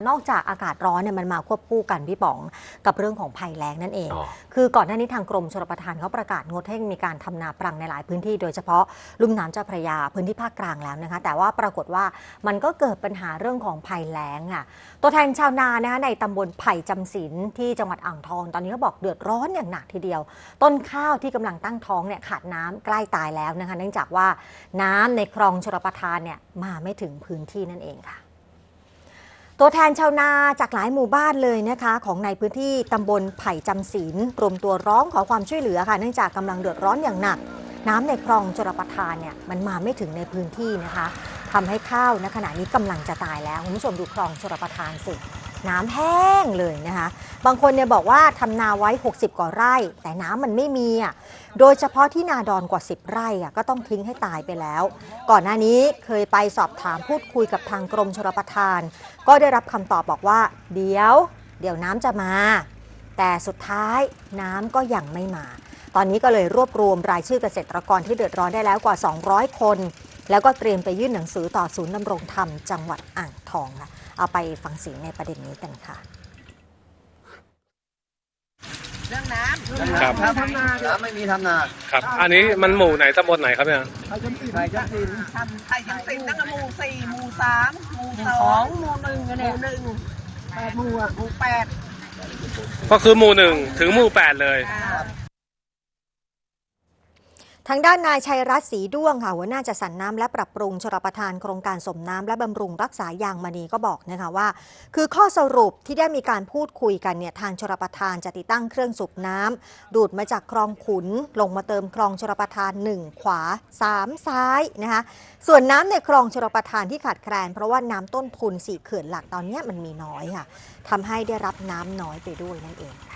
นอกจากอากาศร้อนเนี่ยมันมาควบคู่กันพี่ป๋องกับเรื่องของภัยแล้งนั่นเองอ๋อคือก่อนหน้านี้ทางกรมชลประทานเขาประกาศงดให้มีการทำนาปรังในหลายพื้นที่โดยเฉพาะลุ่มน้ำเจ้าพระยาพื้นที่ภาคกลางแล้วนะคะแต่ว่าปรากฏว่ามันก็เกิดปัญหาเรื่องของภัยแล้งอ่ะตัวแทนชาวนานะคะในตำบลไผ่จำศีลที่จังหวัดอ่างทองตอนนี้เขาบอกเดือดร้อนอย่างหนักทีเดียวต้นข้าวที่กำลังตั้งท้องเนี่ยขาดน้ำใกล้ตายแล้วนะคะเนื่องจากว่าน้ำในคลองชลประทานเนี่ยมาไม่ถึงพื้นที่นั่นเองค่ะตัวแทนชาวนาจากหลายหมู่บ้านเลยนะคะของในพื้นที่ตำบลไผ่จำศีลรวมตัวร้องขอความช่วยเหลือค่ะเนื่องจากกำลังเดือดร้อนอย่างหนักน้ำในคลองชลประทานเนี่ยมันมาไม่ถึงในพื้นที่นะคะทำให้ข้าวณขณะนี้กำลังจะตายแล้วคุณผู้ชมดูคลองชลประทานสิน้ำแห้งเลยนะคะบางคนเนี่ยบอกว่าทำนาไว้60กว่าไร่แต่น้ำมันไม่มีอ่ะโดยเฉพาะที่นาดอนกว่า10ไร่อ่ะก็ต้องทิ้งให้ตายไปแล้วก่อนหน้านี้เคยไปสอบถามพูดคุยกับทางกรมชลประทานก็ได้รับคำตอบบอกว่าเดี๋ยวน้ำจะมาแต่สุดท้ายน้ำก็ยังไม่มาตอนนี้ก็เลยรวบรวมรายชื่อเกษตรกรที่เดือดร้อนได้แล้วกว่า200คนแล้วก็เตรียมไปยื่นหนังสือต่อศูนย์ดำรงธรรมจังหวัดอ่างทองค่ะเอาไปฟังเสียงในประเด็นนี้กันค่ะเรื่องน้ำครับทำนาน้ำไม่มีทำนาครับ อันนี้มันหมู่ไหนตำบลไหนครับเนี่ยไผ่จำศีลทำไผ่จำศีลตั้งแต่หมู่4หมู่3หมู่2หมู่1กันเนี่ยหมู่1 8หมู่หมู่8 ก็คือหมู่หนึ่งถึงหมู่8เลยทางด้านนายชัยรัตน์ศรีด้วงค่ะหัวหน้าจัดสรรน้ำและปรับปรุงชลประทานโครงการสมน้ำและบำรุงรักษายางมณีก็บอกนะคะว่าคือข้อสรุปที่ได้มีการพูดคุยกันเนี่ยทางชลประทานจะติดตั้งเครื่องสูบน้ำดูดมาจากคลองขุนลงมาเติมคลองชลประทาน1ขวา3ซ้ายนะคะส่วนน้ำในคลองชลประทานที่ขาดแคลนเพราะว่าน้ำต้นทุน4เขื่อนหลักตอนนี้มันมีน้อยค่ะทำให้ได้รับน้ำน้อยไปด้วยนั่นเอง